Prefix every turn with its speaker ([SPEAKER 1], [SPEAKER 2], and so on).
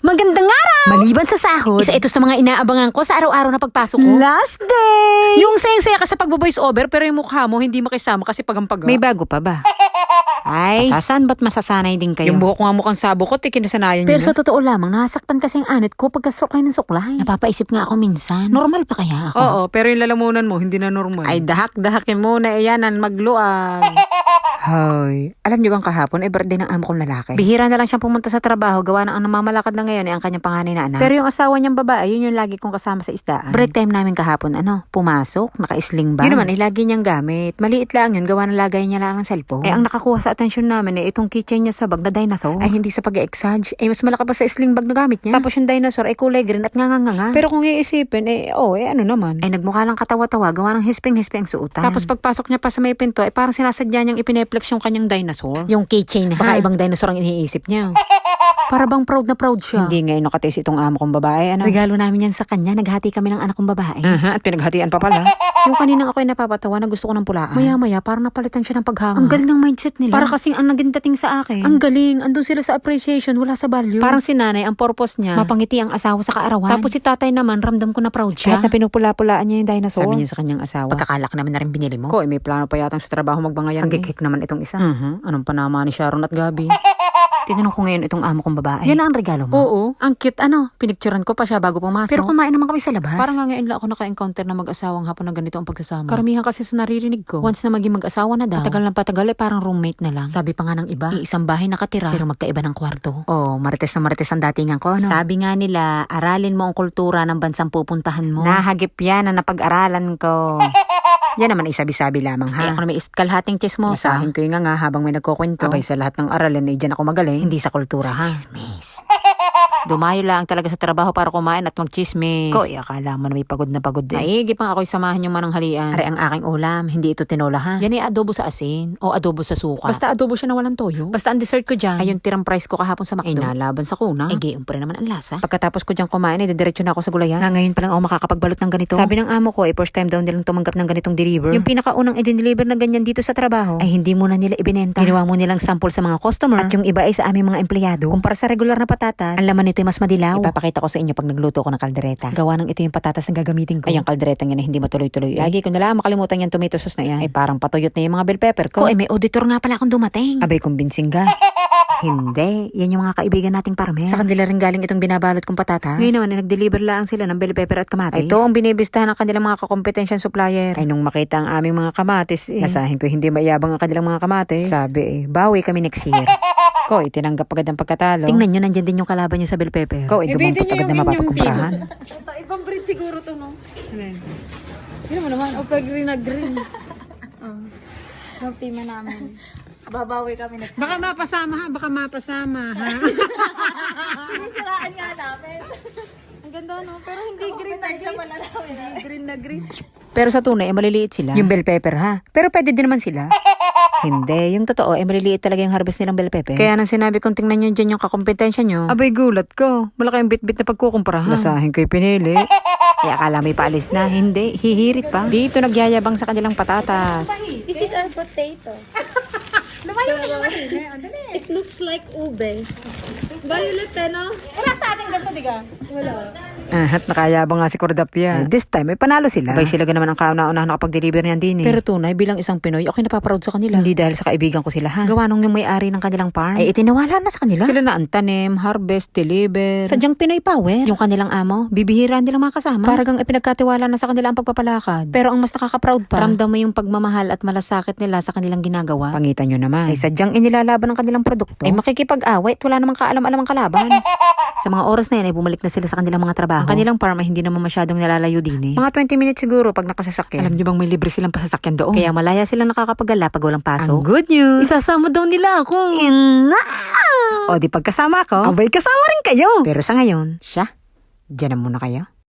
[SPEAKER 1] Magandang araw! Maliban sa sahod, isa ito sa mga inaabangan ko sa araw-araw na pagpasok ko.
[SPEAKER 2] Last day!
[SPEAKER 1] Yung sayang-saya ka sa pagbo-voice over pero yung mukha mo hindi makisama kasi pagampaga.
[SPEAKER 2] May bago pa ba? Ay,
[SPEAKER 1] Pasasan ba't masasanay din kayo?
[SPEAKER 2] yung buhok nga mukhang sabukot, kinasanayan
[SPEAKER 1] Pero
[SPEAKER 2] nyo
[SPEAKER 1] sa totoo lamang, nasaktan kasi ang anit ko pagka suklay ng suklay. Napapaisip nga ako minsan. Normal pa kaya ako?
[SPEAKER 2] Oo, pero yung lalamunan mo, hindi na normal.
[SPEAKER 1] Ay, dahak-dahakin muna. Iyanan, magluag.
[SPEAKER 2] Hoy, alam nyo kang kahapon, birthday ng amo kong lalaki.
[SPEAKER 1] Bihira na lang siyang pumunta sa trabaho. Gawa ng ang namamalakad na ngayon ay ang kanyang panganay na anak. Pero yung asawa niyang babae, yun yung lagi kong kasama sa isdaan. Break time namin kahapon, pumasok, naka-sling bag. Yun naman, lagi niyang gamit. Maliit lang yun, gawa ng lagay niya lang ng cellphone. Ang nakakuha sa atensyon namin itong keychain niya sa bag na dinosaur. Ay, hindi sa pag-exage. Ay, mas malaki pa sa sling bag na gamit niya. Tapos yung dinosaur ay kulay green at nganganga.
[SPEAKER 2] Pero kung iisipin, ano naman?
[SPEAKER 1] Ay, nagmukha lang katawa-tawa, gawa ng hisping-hisping suotan. Tapos pagpasok niya pa sa may pinto, ay parang sinasadya niyang ipineplex yung kanyang dinosaur. Yung keychain, baka ibang dinosaur ang iniisip niya. Para bang proud na proud siya.
[SPEAKER 2] Hindi ngayon nakatis itong amo kong babae,
[SPEAKER 1] Regalo namin yan sa kanya, naghati kami ng anak kong babae.
[SPEAKER 2] At pinaghatian pa pala.
[SPEAKER 1] Yung kaninang ako'y napapatawa na gusto ko ng pulaan. Maya-maya, parang napalitan siya ng paghanga. Ang galing ng mindset nila. Para kasing ang naging dating sa akin. Ang galing, andun sila sa appreciation, wala sa value. Parang si nanay, ang purpose niya, mapangiti ang asawa sa kaarawan. Tapos si tatay naman, ramdam ko na proud siya.
[SPEAKER 2] Kahit na pinupula-pulaan niya yung dinosaur.
[SPEAKER 1] Sabi niya sa kanyang asawa, pagkakalak namin na rin binili mo.
[SPEAKER 2] Ko, may plano pa yatang sa trabaho magbangayan.
[SPEAKER 1] Ang gigik naman itong isa.
[SPEAKER 2] Anong panama ni Sharon at Gabi?
[SPEAKER 1] Tinanong ko ngayon itong amo kong babae. Yan ang regalo mo?
[SPEAKER 2] Oo.
[SPEAKER 1] Ang cute, pinicturean ko pa siya bago pumasok. Pero kumain naman kami sa labas.
[SPEAKER 2] Parang nga ngayon lang ako naka-encounter na mag-asawang hapon na ganito ang pagsasama.
[SPEAKER 1] Karamihan kasi sa naririnig ko, once na maging mag-asawa na daw, patagal ng patagal parang roommate na lang. Sabi pa nga ng iba, iisang bahay nakatira, pero magkaiba ng kwarto. Oh, marites na marites ang datingan ko, Sabi nga nila, aralin mo ang kultura ng bansang pupuntahan mo. Nahagip yan na napag-aralan ko. Yan naman isabi-sabi lamang ha. Ay, ako na may kalhating chismosa.
[SPEAKER 2] Masahin ko yung nga habang may nagkukwento.
[SPEAKER 1] Abay sa lahat ng aralin ay dyan ako magaling. Hindi sa kultura ha. Dumayo lang talaga sa trabaho para kumain at magchismis.
[SPEAKER 2] Ko, akala mo na may pagod na pagod din.
[SPEAKER 1] Maigi pang ako'y samahan yung mananghalian. Are ang aking ulam, hindi ito tinola ha. Yan ay adobo sa asin o adobo sa suka.
[SPEAKER 2] Basta adobo siya na walang toyo.
[SPEAKER 1] Basta ang dessert ko dyan ay yung tirang price ko kahapon sa McDo.
[SPEAKER 2] Ay nalaban sa kuna.
[SPEAKER 1] Ay gayong pa rin naman ang lasa.
[SPEAKER 2] Pagkatapos ko dyan kumain, diretso na ako sa gulayan.
[SPEAKER 1] Nga ngayon pa lang ako makakapagbalot ng ganito. Sabi ng amo ko, first time daw nilang tumanggap ng ganitong deliver. Yung pinakaunang i-deliver na ganyan dito sa trabaho, ay hindi muna nila ibinenta. Ginawa mo nilang sample sa mga customer at yung iba ay sa aming mga empleyado. Kumpara sa regular na patatas, ang laman nito ay mas madilaw. Ipapakita ko sa inyo pag nagluto ko ng kaldereta. Gawa ng ito yung patatas na gagamitin ko.
[SPEAKER 2] Ay, ang kaldereta yan hindi matuloy-tuloy.
[SPEAKER 1] Lagi ko na lang makalimutan yung tomato sauce na yan. Ay parang patuyot na yung mga bell pepper ko. Ay may auditor nga pala akong dumating.
[SPEAKER 2] Abay, kumbinsin ka.
[SPEAKER 1] Hindi. Yan yung mga kaibigan nating parmer. Sa kanila rin galing itong binabalot kong patatas. Ngayon naman, nag-deliver lang sila ng bell pepper at kamatis.
[SPEAKER 2] Ito ang binibistahan ng kanilang mga kakompetensyan supplier. Ay, nung makita ang aming mga kamatis, nasahin ko hindi mayabang ang kanilang mga kamatis. Sabi, bawi kami next year. Ko, tinanggap agad ang pagkatalo.
[SPEAKER 1] Tingnan nyo, nandyan din yung kalaban nyo sa bell pepper.
[SPEAKER 2] Ko, dumampot agad na mapapagkumprahan.
[SPEAKER 3] Ibang breed siguro to, no? Hindi naman. O pag green na green. Magpima namin. Babawi kami next.
[SPEAKER 2] Baka mapasama ha.
[SPEAKER 3] Siraan nga namin. Ang ganda, no? Pero hindi green na green. Hindi green na green.
[SPEAKER 1] Pero sa tunay, maliliit sila. Yung bell pepper ha. Pero pwede din naman sila. Hindi, yung totoo, maliliit talaga yung harvest nilang bell pepper. Kaya nang sinabi kong tingnan nyo dyan yung kakompetensya nyo.
[SPEAKER 2] Abay, gulat ko. Malaki yung bit-bit na pagkukumpara ha. Nasahin ko'y pinili.
[SPEAKER 1] Eh, akala may paalis na. Hindi, hihirit pa. Dito nagyayabang sa kanilang patatas.
[SPEAKER 3] This is our potato. Lumayo na yung It looks like ube. Violet, no? Wala sa ating ganito, diga? Wala.
[SPEAKER 2] At nakayabang nga si Cordapia. This time, may panalo sila.
[SPEAKER 1] Abay sila naman ang kauna-una nakapag-deliver niyan din eh. Pero tunay, bilang isang Pinoy, ako'y napaproud sa kanila. Hindi dahil sa kaibigan ko sila ha. Gawa nung yung may-ari ng kanilang farm. Ay itinawala na sa kanila.
[SPEAKER 2] Sila na ang tanim, harvest, deliver.
[SPEAKER 1] Sadyang Pinoy power. Yung kanilang amo, bibihira nilang mga kasama. Paragang ipinagkatiwala na sa kanila ang pagpapalakad. Pero ang mas nakaka-proud pa, ramdam mo yung pagmamahal at malasakit nila sa kanilang ginagawa.
[SPEAKER 2] Pangitan nyo naman.
[SPEAKER 1] Ay sadyang inilalaban ang kanilang produkto. Ay makikipag-away at wala namang kaalam-alam ang kalaban. Sa mga oras na yan ay bumalik na sila sa kanilang mga trabaho. Ang kanilang farm ay hindi naman masyadong nalalayo din eh.
[SPEAKER 2] Mga 20 minutes siguro pag nakasasakyan.
[SPEAKER 1] Alam niyo bang may libre silang pasasakyan doon? Kaya malaya silang nakakapagala pag walang pasok.
[SPEAKER 2] Ang good news.
[SPEAKER 1] Isasama daw nila ako.
[SPEAKER 2] O di pagkasama ko, abay kasama rin kayo. Pero sa ngayon, siya, dyan na muna kayo.